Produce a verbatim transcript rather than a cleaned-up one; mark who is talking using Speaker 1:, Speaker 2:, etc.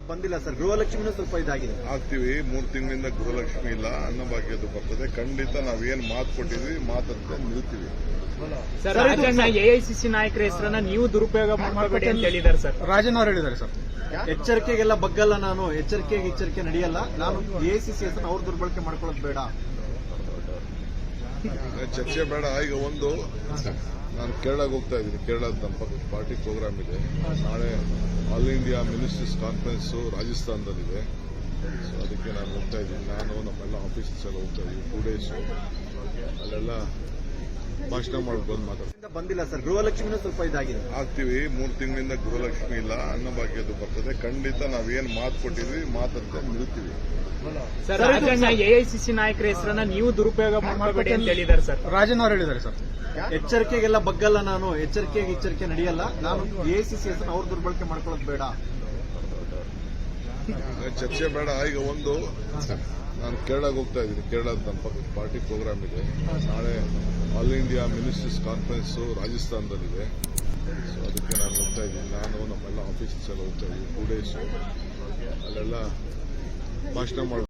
Speaker 1: ಬಂದಿಲ್ಲ ಸರ್. ಗೃಹಲಕ್ಷ್ಮಿನೂ ಸ್ವಲ್ಪ ಇದಾಗಿದೆ.
Speaker 2: ಆಗ್ತೀವಿ. ಮೂರು ತಿಂಗಳಿಂದ ಗೃಹಲಕ್ಷ್ಮಿ ಇಲ್ಲ, ಅನ್ನಭಾಗ್ಯದ್ದು ಬರ್ತದೆ. ಖಂಡಿತ ನಾವೇನು ಮಾತು ಕೊಟ್ಟಿದ್ವಿ ಮಾತಂತೆ ನಿಲ್ತೀವಿ.
Speaker 3: ಸರ್, ರಾಜಣ್ಣ ಎಐಸಿಸಿ ನಾಯಕರ ಹೆಸರನ್ನ ನೀವು ದುರುಪಯೋಗ ಮಾಡಬೇಡಿ ಅಂತ ಹೇಳಿದ್ದಾರೆ ಸರ್.
Speaker 4: ರಾಜಣ್ಣ ಅವರು ಹೇಳಿದ್ದಾರೆ ಸರ್.
Speaker 1: ಎಚ್ಚರಿಕೆಗೆಲ್ಲ ಬಗ್ಗಲ್ಲ ನಾನು, ಎಚ್ಚರಿಕೆಗೆ ಎಚ್ಚರಿಕೆ ನಡೆಯಲ್ಲ ನಾನು. ಎಐಸಿಸಿ ಹೆಸರನ್ನ ಅವ್ರು ದುರ್ಬಳಕೆ ಮಾಡ್ಕೊಳ್ಳೋದು ಬೇಡ,
Speaker 2: ಚರ್ಚೆ ಬೇಡ. ಈಗ ಒಂದು, ನಾನು ಕೇರಳಕ್ಕೆ ಹೋಗ್ತಾ ಇದ್ದೀನಿ. ಕೇರಳದ ನಮ್ಮ ಪಕ್ಕ ಪಾರ್ಟಿ ಪ್ರೋಗ್ರಾಮ್ ಇದೆ. ನಾಳೆ ಆಲ್ ಇಂಡಿಯಾ ಮಿನಿಸ್ಟರ್ಸ್ ಕಾನ್ಫರೆನ್ಸ್ ರಾಜಸ್ಥಾನದಲ್ಲಿದೆ. ಸೊ ಅದಕ್ಕೆ ನಾನು ಹೋಗ್ತಾ ಇದ್ದೀನಿ. ನಾನು ನಮ್ಮೆಲ್ಲ ಆಫೀಸರ್ಸ್ ಎಲ್ಲ ಹೋಗ್ತಾ ಇದ್ದೀವಿ. ಟೂ ಡೇಸ್ ಅಲ್ಲೆಲ್ಲ ಭಾಷಣ ಮಾಡ್ಕೊಂಡು ಮಾತಾಡ್ತೀನಿ.
Speaker 1: ಬಂದಿಲ್ಲ ಸರ್. ಗೃಹಲಕ್ಷ್ಮಿನೂ ಸ್ವಲ್ಪ ಇದಾಗಿದೆ.
Speaker 2: ಆಗ್ತೀವಿ. ಮೂರು ತಿಂಗಳಿಂದ ಗೃಹಲಕ್ಷ್ಮಿ ಇಲ್ಲ, ಅನ್ನಭಾಗ್ಯದ್ದು ಬರ್ತದೆ. ಖಂಡಿತ ನಾವೇನು ಮಾತು ಕೊಟ್ಟಿದ್ವಿ ಮಾತಂತೆ ನಿಲ್ತೀವಿ.
Speaker 3: ಸರ್, ರಾಜಣ್ಣ ಎಐಸಿಸಿ ನಾಯಕರ ಹೆಸರನ್ನ ನೀವು ದುರುಪಯೋಗ ಮಾಡಬೇಡಿ ಅಂತ ಹೇಳಿದ್ದಾರೆ ಸರ್.
Speaker 4: ರಾಜಣ್ಣ ಅವರು ಹೇಳಿದ್ದಾರೆ ಸರ್.
Speaker 1: ಎಚ್ಚರಿಕೆಗೆಲ್ಲ ಬಗ್ಗಲ್ಲ ನಾನು, ಎಚ್ಚರಿಕೆಗೆ ಎಚ್ಚರಿಕೆ ನಡೆಯಲ್ಲ ನಾನು. ಎಐಸಿಸಿ ಹೆಸರನ್ನ ಅವ್ರು ದುರ್ಬಳಕೆ ಮಾಡ್ಕೊಳ್ಳೋದು ಬೇಡ,
Speaker 2: ಚರ್ಚೆ ಬೇಡ. ಈಗ ಒಂದು, ನಾನು ಕೇರಳಕ್ಕೆ ಹೋಗ್ತಾ ಇದ್ದೀನಿ. ಕೇರಳದ ನಮ್ಮ ಪಕ್ಕ ಪಾರ್ಟಿ ಪ್ರೋಗ್ರಾಮ್ ಇದೆ. ನಾಳೆ ಆಲ್ ಇಂಡಿಯಾ ಮಿನಿಸ್ಟರ್ಸ್ ಕಾನ್ಫರೆನ್ಸ್ ರಾಜಸ್ಥಾನದಲ್ಲಿದೆ. ಸೊ ಅದಕ್ಕೆ ನಾನು ಹೋಗ್ತಾ ಇದ್ದೀನಿ. ನಾನು ನಮ್ಮೆಲ್ಲ ಆಫೀಸರ್ಸ್ ಎಲ್ಲ ಹೋಗ್ತಾ ಇದ್ದೀವಿ. ಟೂ ಡೇಸ್ ಅಲ್ಲೆಲ್ಲ ಭಾಷಣ ಮಾಡ್ಕೊಂಡು